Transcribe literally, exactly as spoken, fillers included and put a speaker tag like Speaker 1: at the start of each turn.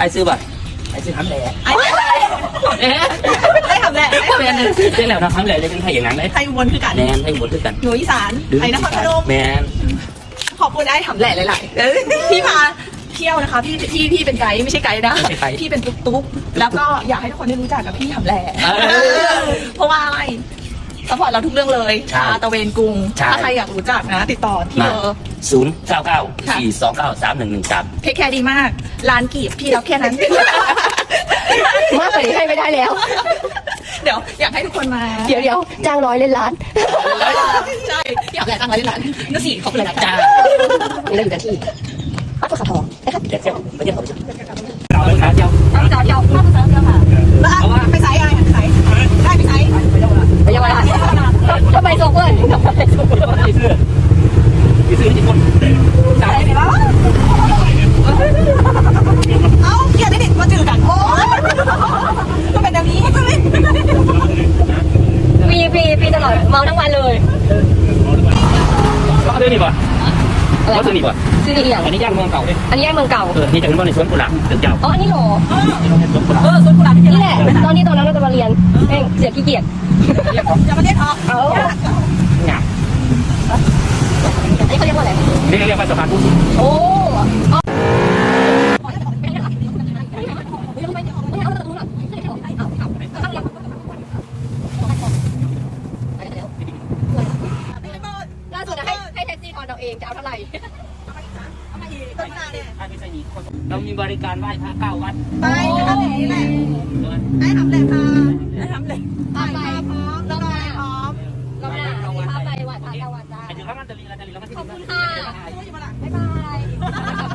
Speaker 1: ซื้อบ่ไอ้ซื้อทำแหล่ไอ้
Speaker 2: ไอ้ทำแหล่ไอ้ทำแหล่
Speaker 1: เจ๊แล้วนะทำแหล่จะเป็นไทยอย่างนั้นเลย
Speaker 2: ไทยอุบลคือกัน
Speaker 1: แมนไทยอุบลคือกัน
Speaker 2: หนูอีสานไอ้นครพนม
Speaker 1: แมน
Speaker 2: ขอบคุณไอ้ทำแหล่หลายๆพี่พาเที่ยวนะคะพี่พี่พี่เป็นไกด์ไม่ใช่ไกด์นะพี่เป็นตุ๊กตุ๊กแล้วก็อยากให้ทุกคนได้รู้จักกับพี่ทำแหล่เพราะว่าอะไรซัพพอร์ตเราทุกเรื่องเลยชาตะเวนกรุงถ้าใครอยากรู้จักนะติดต่อที่เบอร์
Speaker 1: ศูนย์เก้าเก้าสี่สองเก้าสามหนึ่งหนึ่งสาม
Speaker 2: เทคแคร์ดีมากร้านกีบพี่รับแค่นั้น
Speaker 3: มากกว่านี้ให้ไม่ได้แล้ว
Speaker 2: เดี๋ยวอยากให้ทุกคนมา
Speaker 3: เดี๋ยวเดี๋ยวจ้างร้อยเล่นล้าน
Speaker 2: ใช่อยากแหล่จ้างร้อยเล่นล้านนั่นสิเขาเป็นอะไรจ้า
Speaker 3: นี่เราอยู่กันที่วัดภูเขาทองนะครับ
Speaker 1: เดี๋ยวเที่ยวไปเที่ยวเราไปเที่ยว
Speaker 3: เราไปเที่ยวเราไปเที่ยวค่ะ
Speaker 2: ไปไซส์อะไรไปไซส์ได้ไปไซส์
Speaker 3: ไปเยาวราชทำไมส่งเพื่อนทำไมส่งเพื่อน
Speaker 1: ไปซื้อไปซื้อที่คน
Speaker 2: ใช่ไหมวะเอ้าเกียร์ได้ดิมาจืดกันโอ้ก็เป็นแบบนี้
Speaker 3: ปีปีปีตลอดเมาทั้งวันเลย
Speaker 1: ก็ซื้อนี่ป่ะก็ซื้อนี่ป่ะ
Speaker 3: ซื้อนี่อย่าง
Speaker 1: อันนี้ย่างเมืองเก่าเลย
Speaker 3: อันนี้ย่างเมืองเก่า
Speaker 1: เออนี่จากนั้นในสวนกุหลาบตึกเก่า
Speaker 3: อ๋ออันนี้หรอ
Speaker 2: เออสวนกุหลาบ
Speaker 3: นี่แหละตอนนี้ตอนนั้นเราจะมาเรียนเองเสียขี้เกียจ
Speaker 2: จะมาเล่นออก
Speaker 3: เอา
Speaker 1: หยาบ
Speaker 3: อันนี้เขาเรียกว่าอะไร
Speaker 1: นี่เรียกว่าสะพานพุทธ
Speaker 3: โอ้ล่าสุดให้ให้แท็กซี่ทอนเราเองจะเอาเท่าไหร่
Speaker 1: เรามีบริการไหว้พระเก้าวัด
Speaker 2: ไปทำอย่างนี้แหละไอ้ทำแหละค่ะไอ้ทำแหละ
Speaker 3: พาไป
Speaker 2: พร้อมแล้วไปพร้อม
Speaker 3: เราหน้าพาไปวัดพาตะวันจ้า
Speaker 1: ไอ้ถึงข้างนั้นจะรีเราจะรีเราก็ที่
Speaker 3: ขอบคุณค่ะบ๊ายบาย